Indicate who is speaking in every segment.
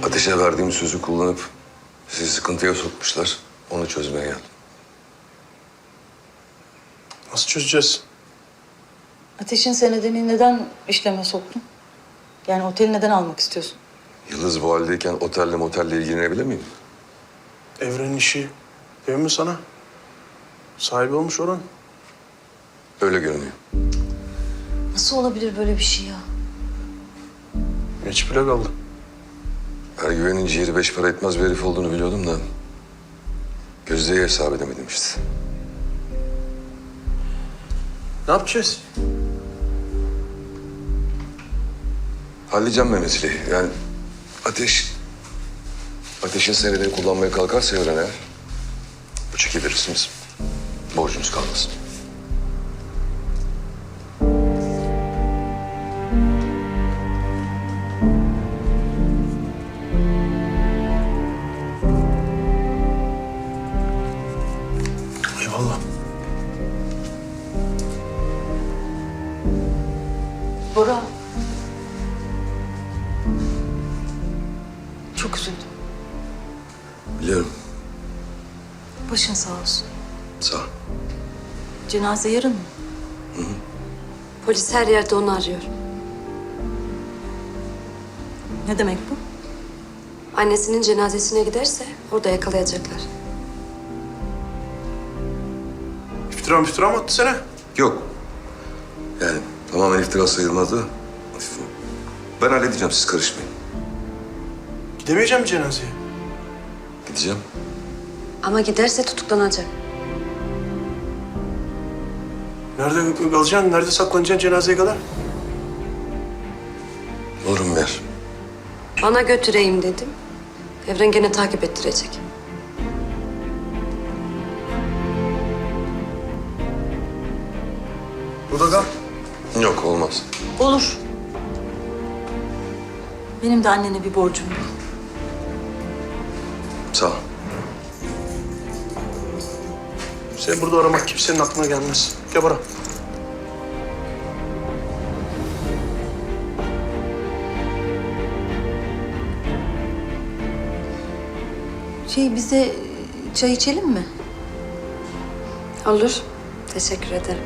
Speaker 1: Ateşe verdiğim sözü kullanıp sizi sıkıntıya sokmuşlar. Onu çözmeye geldim.
Speaker 2: Nasıl çözeceğiz?
Speaker 3: Ateş'in senedini neden işleme soktun? Yani oteli neden almak istiyorsun?
Speaker 1: Yıldız bu haldeyken otelle motelle ilgilenebilir miyim?
Speaker 2: Evrenin işi değil mi sana? Sahibi olmuş Orhan.
Speaker 1: Öyle görünüyor.
Speaker 3: Nasıl olabilir böyle bir şey ya?
Speaker 2: Geç bile kaldı.
Speaker 1: Ergüven'in ciğeri 5 para etmez bir herif olduğunu biliyordum da... Gözde'yi hesap edemedim işte.
Speaker 2: Ne yapacağız?
Speaker 1: Halledeceğim ben meseleyi. Yani Ateş'in senedini kullanmaya kalkarsa Evren eğer... Bu çeki verirsiniz. Borcunuz kalmasın.
Speaker 2: Eyvallah.
Speaker 3: Bora. Çok üzüldüm.
Speaker 1: Biliyorum.
Speaker 3: Başın sağ olsun.
Speaker 1: Sağ ol.
Speaker 3: Cenaze yarın mı?
Speaker 4: Polis her yerde onu arıyor.
Speaker 3: Ne demek bu?
Speaker 4: Annesinin cenazesine giderse orada yakalayacaklar.
Speaker 2: İftira mı attı sana?
Speaker 1: Yok. Yani tamamen iftira sayılmaz da... Ben halledeceğim, siz karışmayın.
Speaker 2: Gidemeyeceğim mi cenazeye?
Speaker 1: Gideceğim.
Speaker 4: Ama giderse tutuklanacak.
Speaker 2: Nerede kalacaksın? Nerede saklanacaksın cenazeye kadar?
Speaker 1: Bulurum bir yer.
Speaker 4: Bana götüreyim dedim. Evren gene takip ettirecek.
Speaker 2: Burada kal.
Speaker 1: Yok, olmaz.
Speaker 3: Olur. Benim de annene bir borcum var.
Speaker 1: Sağ ol.
Speaker 2: Seni burada aramak kimsenin aklına gelmez. Gel bana.
Speaker 3: Biz de çay içelim mi?
Speaker 4: Olur. Teşekkür ederim.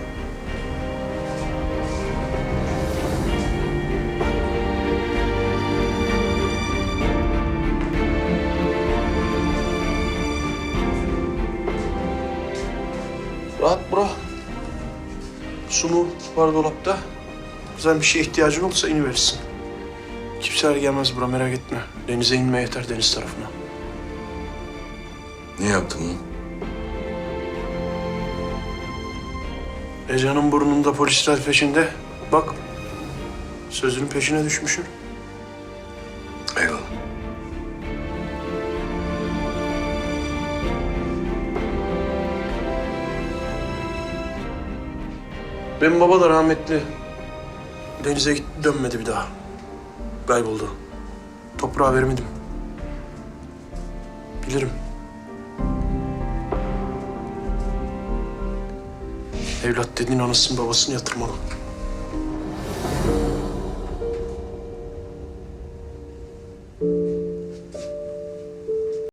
Speaker 2: Rahat bırak. Su mu var dolapta? Güzel bir şeye ihtiyacın olursa iniverirsin. Kimseler gelmez buraya, merak etme. Denize inme yeter, deniz tarafına.
Speaker 1: Niye yaptın bunu?
Speaker 2: Ece'nin burnunda polisler peşinde. Bak, sözünün peşine düşmüşsün.
Speaker 1: Eyvallah.
Speaker 2: Benim baba da rahmetli. Denize gitti, dönmedi bir daha. Kayboldu. Toprağa vermedim. Bilirim. Evlat dediğin anasını babasını yatırmalı.